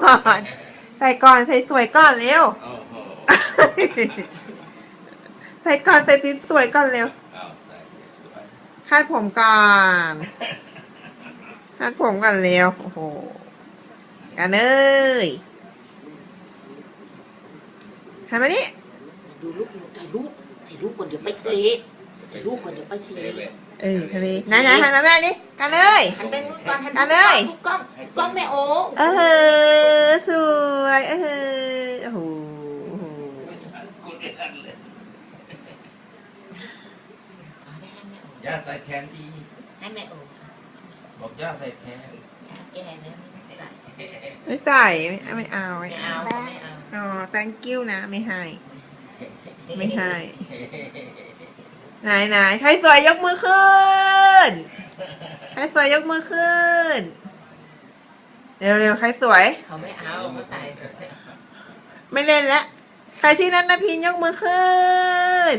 อนใส่ก่อนใส่สวยก่อนเร็วโอ้โหใส่ก่อนใส่สวยก่อนเร็วเอาใส่สวยคาดผมก่อนคาดผมก่อนเร็วโอ้โหกันเลยทำมานี่ดูรูปถ่ายรูปก่อนเดี๋ยวไปทะเลถ่ายรูปก่อนเดี๋ยวไปทะเลทะเลนะหันมาแม่นี่กันเลยหันไปนู่นก่อนหันกันเลยกล้องแม่โอ้สวยโอ้โหกูเล่นเลยเอาไปให้แม่โอ้ย่าใส่แทนดีให้แม่โอ้บอกย่าใส่แทนแกเนี่ยไม่ใส่ไม่ใส่ไม่เอาไม่เอาไม่เอาอ๋อ thank you นะไม่ให้ไม่ให้ไหนใครสวยยกมือขึ้นใครสวยยกมือขึ้นเร็วใครสวยเขาไม่เอาเขาใส่ไม่เล่นแล้วใครที่นันนพินยกมือขึ้น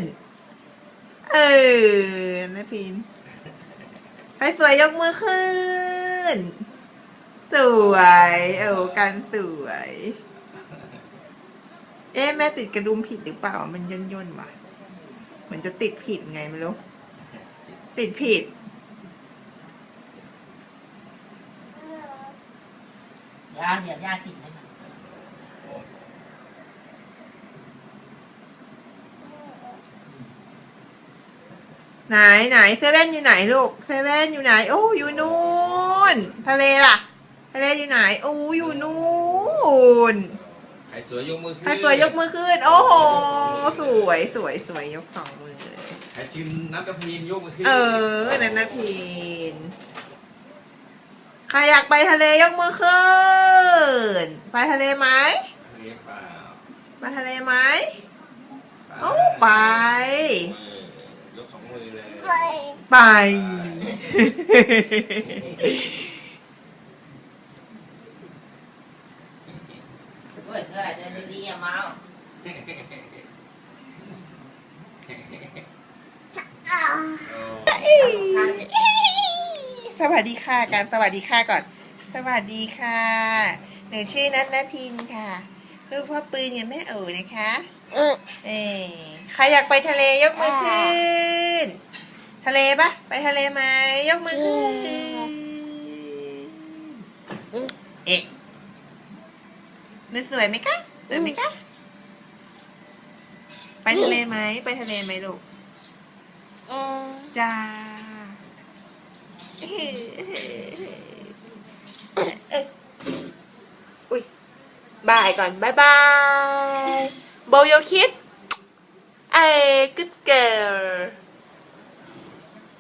นพินใครสวยยกมือขึ้นสวยกันสวยแม่ติดกระดุมผิดหรือเปล่ามันย่นว่ะเหมือนจะติดผิดไงไม่รู้ติดผิดย่าติดให้มันไหนเซเว่นอยู่ไหนลูกเซเว่นอยู่ไหนโอ้อยู่นู่นทะเลล่ะทะเลอยู่ไหนโอ้อยู่นู่นใครสวยยกมือขึ้นใครสวยยกมือขึ้นโอ้โหสวยยกสองมือเลยใครชิมน้ำกระพีนยกมือขึ้นนั่นนะพินใครอยากไปทะเลยกมือขึ้นไปทะเลไหมเรียบเปล่าไปทะเลไหมโอ้ไปยกสองมือเลยไปเฮ้ยเท่าไหร่เดินดีๆอย่าเมาสวัสดีค่ะการสวัสดีค่ะก่อนสวัสดีค่ะหนูชื่อนัทนพินค่ะลูกพ่อปืนกับแม่โอ๋นะคะใครอยากไปทะเลยกมือขึ้นทะเลปะไปทะเลไหมยกมือขึ้นนึกสวยไหมคะสวยไหมคะไปทะเลไหมไปทะเลไหมลูกจ้าอุ้ยบายก่อนบายโบโยคิดgood girl